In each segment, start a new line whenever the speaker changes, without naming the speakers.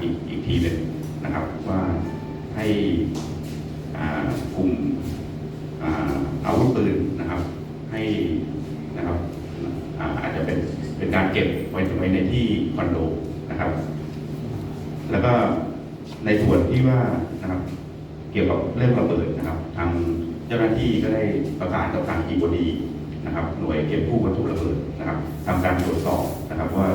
อีกทีหนึ่งนะครับว่าให้กลุ่มอาวุธปืนนะครับให้นะครับอาจจะเป็นการเก็บไว้ในที่คอนโดนะครับแล้วก็ในส่วนที่ว่านะครับเกี่ยวกับเรื่องระเบิดนะครับทางเจ้าหน้าที่ก็ได้ประกาศกับทางอีโบดีนะครับหน่วยเก็บกู้วัตถุระเบิดนะครับทำการตรวจสอบนะครับว่า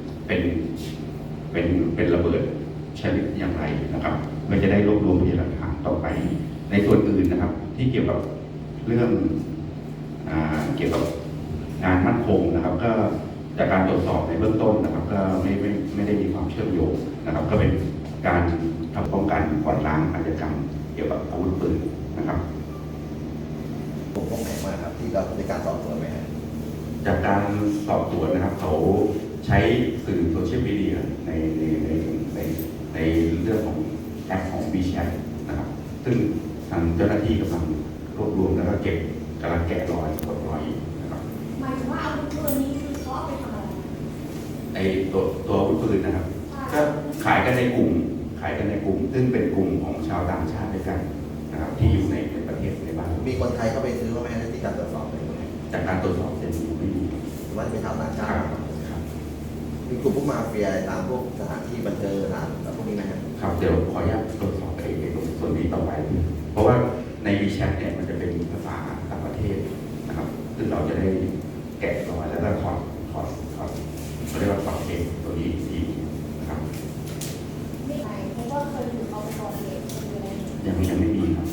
เป็นระเบิดชนิดอย่างไรนะครับมันจะได้รวบรวมพยานหลักฐานต่อไปในส่วนอื่นนะครับที่เกี่ยวกับเรื่องเกี่ยวกับงานมั่นคงนะครับก็จากการตรวจสอบในเบื้องต้นนะครับก็ไม่ได้มีความเชื่อมโยงนะครับก็เป็นการทำป้องกันกวาดล้างอาชญากรรมเกี่ยวกับอาวุธปืนนะครับ
ผมพบไหนมาครับที่เราในการสอบสวนไหมครับ
จากการสอบสวนนะครับเขาใช้สื่อโซเชียลมีเดียในเรื่องของแอปของ WeChat นะครับซึ่งทางเจ้าหน้าที่กำลังรวบรวมแล้วก็กำลังแกะรอยกดรอยนะครับ
หมายถึงว่าอาวุธปืนนี้คือเขาเอาไปทำอะไร
ในตัวอาวุธปืนนะครับก็ขายกันในกลุ่มซึ่งเป็นกลุ่มของชาวต่างชาติด้วยกันนะครับที่อยู่ในประเทศในบ้าน
มีคนไทยเข้าไปซื้อไหมที่การตรวจสอบ
จากการตรวจสอบจะไม่มี
ว่าจะเป็นชาวต่างชาติมีกลุ่มพวกมาเฟียตามพวกสถานที่บันเทิงสถานพวกนี้ไหม
ครับเดี๋ยวขออนุญาตตรวจสอบในส่วนนี้ต่อไปเพราะว่าใน WeChat เนี่ยมันจะเป็นภาษาต่างประเทศนะครับซึ่งเราจะได้แกะรอยแล้วก็ถอดเขาเรียกว่าถอดเทปตัวนี้ทีนะครับ
ไม่ไหนเพราะว่าเคยถูกเอาไปก่อเหตุ
ยังไม่มีครับ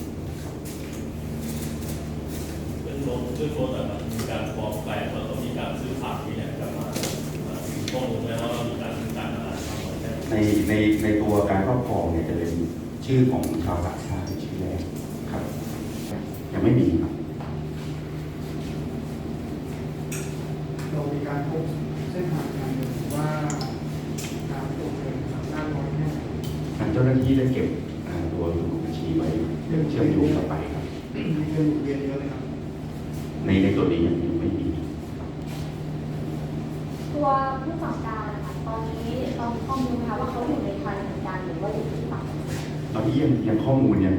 เป็นโฟนแบบมีการฟ้องแปลงแล้วก็มีการซื้อขายที่เนี่ยกลับมาต้องรู้ไหมว่ามีการซื้อการตลาดทำอะไร
ในตัวการครอบครองเนี่ยจะเป็นชื่อของชาวต่างชาติชื่อแรกครับยังไม่มีครับ
เรามีการพบเส้นทางการเงินว่าการโอนเงินทางด้านน้อยแค่ไหน
ทางเจ้าหน้าที่ได้เก็บตัวสมุดบัญชีไว้เชื่อมโยงต่อไปครับ
มีเงินเรียนเยอะเลยครับ
ในส่วนนี้ยังไม่มี
ตัวผู้สั่งการนะคะตอนนี้เรามีข้อมูลนะคะว่าเขาอยู่ในไทยเหมือนกันหรือว่าอยู่ที่ต่างประเทศ
ตอนนี้ยังข้อมูลยัง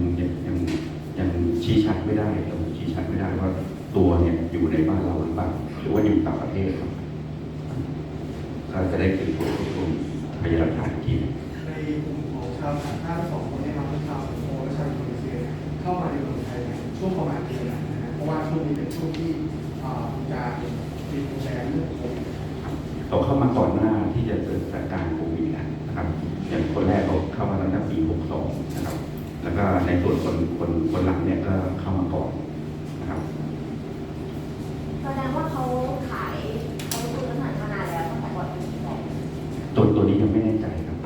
ชี้ชัดไม่ได้ว่าตัวเนี่ยอยู่ในบ้านเราหรือเปล่าหรือว่าอยู่ต่างประเทศครับก็จะได้เป็นตัวพยานหลักฐานที่
ในกลุ่มของชาวต่างชาติ2 คนนี้ครับชาวสิงคโปร์และชาวอินโดนีเซียเข้ามาในเมืองไทยช่วงประมาณเดือนไหนนะเพราะว่าช่วงนี้เป็นช่วงที่การปิดโรงแรมเรื่องโควิด
เขาเข้ามาก่อนหน้าที่จะเกิดสถานการณ์โควิดนะครับอย่างคนแรกเขาเข้ามาตั้งแต่ปี62นะครับแล้วก็ในส่วนคนหลังเนี่ยก็เข้ามาก่อนนะครับ
แสดงว่าเขาขายอาวุธปืนมานานแล้วตั้งแต่ก่อนปี
62ตัวนี้ยังไม่แน่ใจครับ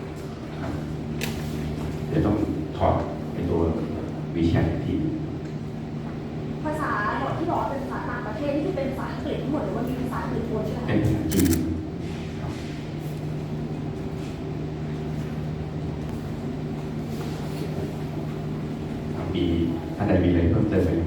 เดี๋ยวต้องถอดในตัว WeChat อีกที
ภาษาที่บอกเป็นภาษาต่างประเทศที่เป็นภาษาอังกฤษทั้งหมดหรือว่ามีภาษาอื่นปนใช่ไหม
เป็นภาษาจีนมีท่านใดมีอะไรเพิ่มเติมไหม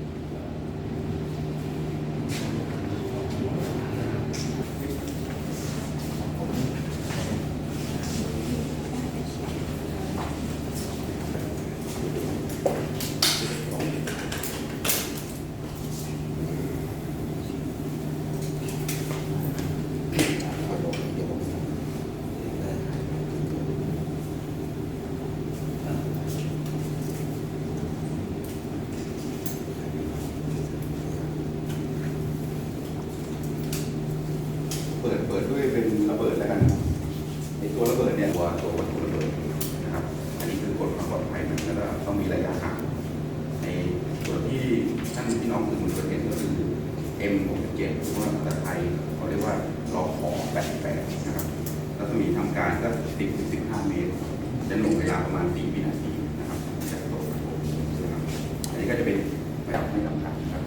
เปิดด้วยเป็นระเบิดแล้วกันในตัวระเบิดเนี่ยตัววัตถุระเบิดนะครับอันนี้คือกฎความปลอดภัยมันก็ต้องมีระยะห่างในส่วนที่ท่านพี่น้องสื่อมวลชนเห็นก็คือ M67 หรือว่าภาษาไทยเขาเรียกว่าลอขอ88นะครับรัศมีทำการก็10-15 เมตรจะหน่วงเวลาประมาณ4 วินาทีนะครับจากตัวนะครับอันนี้ก็จะเป็นระดับไม่สำคัญครับ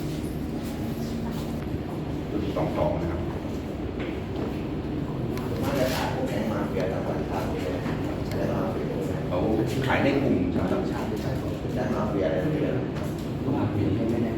ตัวที่22นะครับเขาขายในกลุ่มชาวต่างชาติไม่ใช่
ได้มาเฟียอะไรไม่ได้
มาเฟียไม่แน่